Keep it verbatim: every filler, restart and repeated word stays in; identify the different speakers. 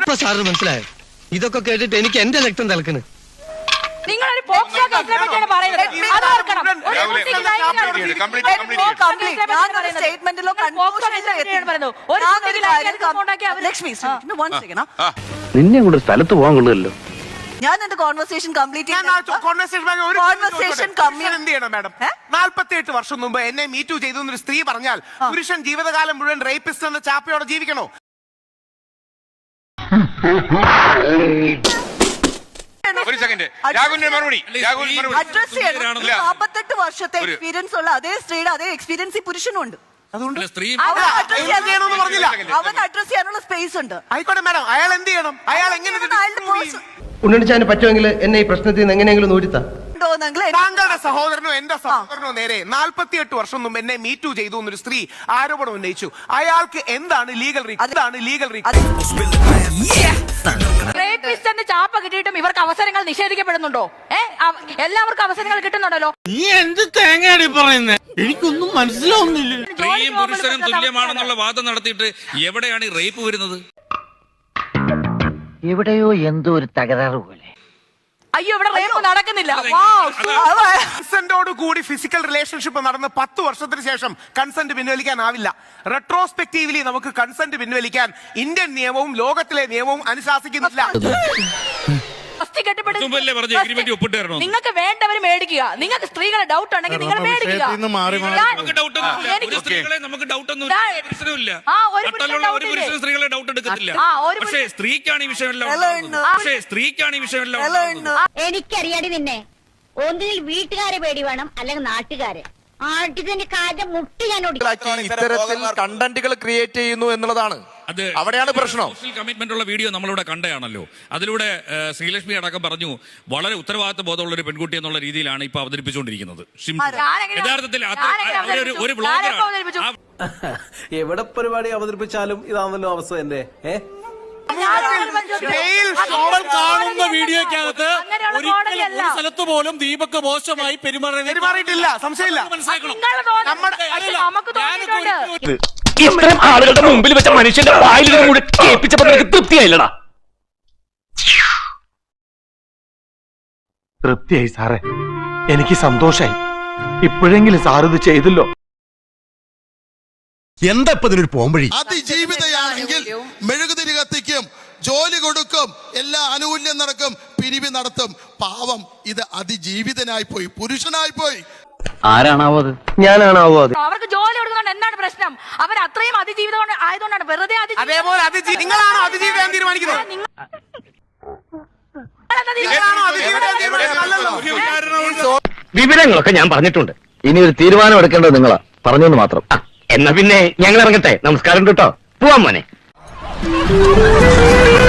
Speaker 1: സാറിന് മനസ്സിലായോ? ഇതൊക്കെ കേട്ടിട്ട് എനിക്ക് എന്റെ രക്തം തിളക്കുന്നു.
Speaker 2: നിങ്ങളൊരു പോക്സോ കേസിനെ പറ്റിയാണ് പറയുന്നത്. അത് ഓർക്കണം.
Speaker 3: സ്റ്റേറ്റ്മെന്റിലോ
Speaker 4: നിന്നെ കൊണ്ട് സ്ഥലത്ത് പോകാൻ കൊള്ളുമല്ലോ.
Speaker 3: ഞാൻ എന്റെ കോൺവെർസേഷൻ കംപ്ലീറ്റ്
Speaker 5: നാൽപ്പത്തി എട്ട് വർഷം മുമ്പ് എന്നെ മീറ്റു ചെയ്തു എന്നൊരു സ്ത്രീ പറഞ്ഞാൽ പുരുഷൻ ജീവിതകാലം മുഴുവൻ റേപ്പിസ്റ്റ് എന്ന ചാപ്പയോടെ ജീവിക്കണോ?
Speaker 6: ഒരു സെക്കൻഡ്, രാഹുലിന്റെ മറുപടി.
Speaker 3: നാൽപ്പത്തെട്ട് വർഷത്തെ എക്സ്പീരിയൻസ് ഉള്ള അതേ സ്ത്രീയുടെ അതേ എക്സ്പീരിയൻസ് ഈ പുരുഷനും ഉണ്ട്.
Speaker 5: അതുകൊണ്ട്
Speaker 3: അവൻ അഡ്രസ് ചെയ്യാനുള്ള സ്പേസ് ഉണ്ട്.
Speaker 5: ആയിക്കോട്ടെ മാഡം, അയാൾ എന്ത് ചെയ്യണം? അയാൾ എങ്ങനെ
Speaker 1: ഉണ്ണിച്ചാന് പറ്റുമെങ്കിൽ എന്നെ ഈ പ്രശ്നത്തിൽ നിന്ന് എങ്ങനെയെങ്കിലും നൂരിത്താ.
Speaker 5: താങ്കളുടെ സഹോദരനോ എന്റെ സഹോദരനോ നേരെ നാൽപ്പത്തിയെട്ട് വർഷം മുമ്പ് എന്നെ മീറ്റു ചെയ്തു എന്നൊരു സ്ത്രീ ആരോപണം ഉന്നയിച്ചു. അയാൾക്ക് എന്താണ് ലീഗൽ എന്താണ് ലീഗൽ
Speaker 2: റേപ്പിസ്റ്റിന്റെ ചാപ്പ കിട്ടിയിട്ടും ഇവർക്ക് അവസരങ്ങൾ നിഷേധിക്കപ്പെടുന്നുണ്ടോ? ഏഹ് എല്ലാവർക്കും അവസരങ്ങൾ കിട്ടുന്നുണ്ടല്ലോ.
Speaker 7: നീ എന്ത് തേങ്ങയാണ് പറയുന്നത്? എനിക്കൊന്നും മനസ്സിലാവുന്നില്ല.
Speaker 6: സ്ത്രീയും പുരുഷനും തുല്യമാണെന്നുള്ള വാദം നടത്തിയിട്ട് എവിടെയാണ് ഈ റേപ്പ് വരുന്നത്?
Speaker 8: എവിടെയോ എന്തോ ഒരു തകരാറ് പോലെ.
Speaker 2: അയ്യോ, ഇവിടെ റേപ്പ് നടക്കുന്നില്ല.
Speaker 5: കൺസെന്റോട് കൂടി ഫിസിക്കൽ റിലേഷൻഷിപ്പ് നടന്ന് പത്ത് വർഷത്തിന് ശേഷം കൺസെന്റ് പിൻവലിക്കാനാവില്ല. റെട്രോസ്പെക്റ്റീവ്ലി നമുക്ക് കൺസെന്റ് പിൻവലിക്കാൻ ഇന്ത്യൻ നിയമവും ലോകത്തിലെ നിയമവും അനുശാസിക്കുന്നില്ല.
Speaker 2: നിങ്ങൾക്ക് വേണ്ടവര് മേടിക്കുക. നിങ്ങൾക്ക് സ്ത്രീകളെ ഡൗട്ട് ഉണ്ടെങ്കിൽ നിങ്ങൾ മേടിക്കുക.
Speaker 9: എനിക്കറിയാടി നിന്നെ. ഒന്നിൽ വീട്ടുകാരെ പേടി വേണം, അല്ലെങ്കിൽ നാട്ടുകാരെ. ആട്ടിന്റെ കാര്യം മുട്ടി ഞാൻ
Speaker 10: ഇത്തരത്തിൽ കണ്ടന്റുകൾ ക്രിയേറ്റ് ചെയ്യുന്നു എന്നുള്ളതാണ് അവിടെയാണ് പ്രശ്നം.
Speaker 6: കമ്മിറ്റ്മെന്റ് ഉള്ള വീഡിയോ നമ്മളിവിടെ കണ്ടയാണല്ലോ. അതിലൂടെ ശ്രീലക്ഷ്മി അടക്കം പറഞ്ഞു വളരെ ഉത്തരവാദിത്ത ബോധമുള്ള ഒരു പെൺകുട്ടി എന്നുള്ള രീതിയിലാണ് ഇപ്പൊ അവതരിപ്പിച്ചുകൊണ്ടിരിക്കുന്നത്. യഥാർത്ഥത്തിൽ ഒരു
Speaker 11: എവിടെ പരിപാടി അവതരിപ്പിച്ചാലും ഇതാണല്ലോ അവസ്ഥ തന്നെ.
Speaker 7: കാണുന്ന വീഡിയോക്കകത്ത് ഒരിക്കലും ഒരു സ്ഥലത്ത് പോലും ദീപക് മോശമായി
Speaker 5: പെരുമാറിയിട്ടില്ല, സംശയമില്ല.
Speaker 4: ഇത്രയും ആളുകളുടെ മുമ്പിൽ വെച്ച മനുഷ്യന്റെ വായിൽ കൂടെ കേൾപ്പിച്ചപ്പോ നിനക്ക് തൃപ്തിയായില്ലടാ?
Speaker 1: തൃപ്തിയായി സാറേ, എനിക്ക് സന്തോഷായി. ഇപ്പോഴെങ്കിലും സാറിത് ചെയ്തല്ലോ.
Speaker 11: എന്താ ഇപ്പൊ ഇതിനൊരു പോംവഴി?
Speaker 10: അതിജീവിതയാണെങ്കിൽ മെഴുകുതിരി കത്തിക്കും, ജോലി കൊടുക്കും, എല്ലാ ആനുകൂല്യം നടക്കും, പിരിവ് നടത്തും. പാവം, ഇത് അതിജീവിതനായി പോയി, പുരുഷനായി പോയി.
Speaker 4: ആരാണാവോ അത്?
Speaker 1: ഞാനാണാവോ അത്?
Speaker 2: അവർക്ക് ജോലി കൊടുക്കുന്നുണ്ട്. എന്താണ് പ്രശ്നം? അവർ അത്രയും അതിജീവിതം ആയതുകൊണ്ടാണ് വെറുതെ
Speaker 5: അതേപോലെ നിങ്ങളാണോ അതിജീവിതം തീരുമാനിക്കുന്നത്?
Speaker 4: വിവരങ്ങളൊക്കെ ഞാൻ പറഞ്ഞിട്ടുണ്ട്. ഇനി ഒരു തീരുമാനം എടുക്കേണ്ടത് നിങ്ങളാ. പറഞ്ഞെന്ന് മാത്രം. എന്നാ പിന്നെ ഞങ്ങൾ ഇറങ്ങട്ടെ. നമസ്കാരം കേട്ടോ. പോവാൻ മോനെ.